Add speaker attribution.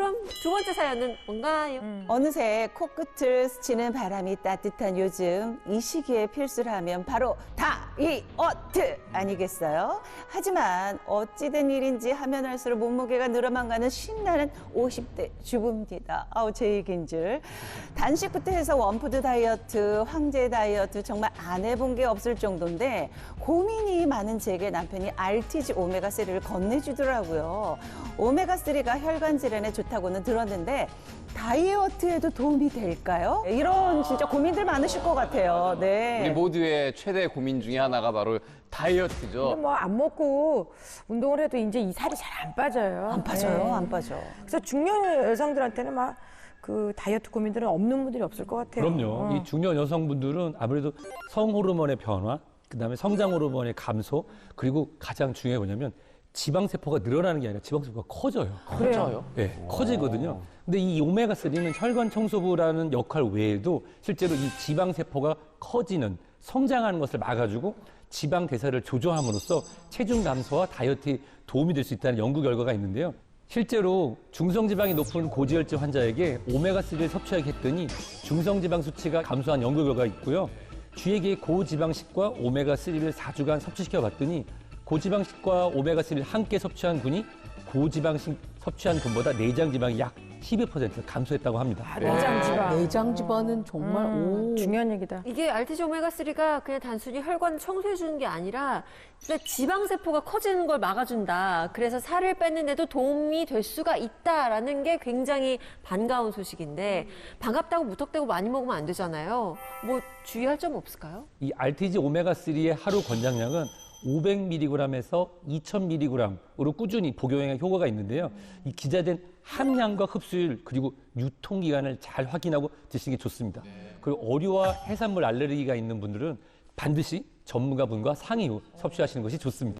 Speaker 1: 그럼 두 번째 사연은 뭔가요?
Speaker 2: 어느새 코끝을 스치는 바람이 따뜻한 요즘 이 시기에 필수라면 바로 다이어트 아니겠어요? 하지만 어찌된 일인지 하면 할수록 몸무게가 늘어만 가는 신나는 50대 주부입니다. 제 얘기인 줄. 단식부터 해서 원푸드 다이어트, 황제 다이어트 정말 안 해본 게 없을 정도인데 고민이 많은 제게 남편이 RTG 오메가3를 건네주더라고요. 오메가3가 혈관 질환에 좋다고는 들었는데 다이어트에도 도움이 될까요? 이런 진짜 고민들 많으실 것 같아요. 네.
Speaker 3: 우리 모두의 최대 고민 중에 하나가 바로 다이어트죠.
Speaker 4: 뭐 안 먹고 운동을 해도 이제 이 살이 잘 안 빠져요.
Speaker 2: 안 빠져요,
Speaker 4: 네.
Speaker 2: 안 빠져.
Speaker 4: 그래서 중년 여성들한테는 막 그 다이어트 고민들은 없는 분들이 없을 것 같아요.
Speaker 5: 그럼요. 이 중년 여성분들은 아무래도 성호르몬의 변화, 그다음에 성장 호르몬의 감소, 그리고 가장 중요한 게 뭐냐면 지방세포가 늘어나는 게 아니라 지방세포가 커져요.
Speaker 3: 커져요?
Speaker 5: 네, 커지거든요. 근데 이 오메가3는 혈관 청소부라는 역할 외에도 실제로 이 지방세포가 커지는, 성장하는 것을 막아주고 지방 대사를 조절함으로써 체중 감소와 다이어트에 도움이 될 수 있다는 연구 결과가 있는데요. 실제로 중성지방이 높은 고지혈증 환자에게 오메가3를 섭취하게 했더니 중성지방 수치가 감소한 연구 결과가 있고요. 쥐에게 고지방식과 오메가3를 4주간 섭취시켜 봤더니 고지방식과 오메가3를 함께 섭취한 군이 고지방식 섭취한 군보다 내장 지방이 약 12% 감소했다고 합니다.
Speaker 4: 내장 지방.
Speaker 6: 내장 지방은 정말 오.
Speaker 4: 중요한 얘기다.
Speaker 1: 이게 RTG 오메가3가 그냥 단순히 혈관 청소해주는 게 아니라 진짜 지방세포가 커지는 걸 막아준다. 그래서 살을 뺐는데도 도움이 될 수가 있다라는 게 굉장히 반가운 소식인데 반갑다고 무턱대고 많이 먹으면 안 되잖아요. 뭐 주의할 점 없을까요?
Speaker 5: 이 RTG 오메가3의 하루 권장량은 500mg에서 2000mg으로 꾸준히 복용에 효과가 있는데요. 이 기재된 함량과 흡수율 그리고 유통기간을 잘 확인하고 드시는 게 좋습니다. 그리고 어류와 해산물 알레르기가 있는 분들은 반드시 전문가분과 상의 후 섭취하시는 것이 좋습니다.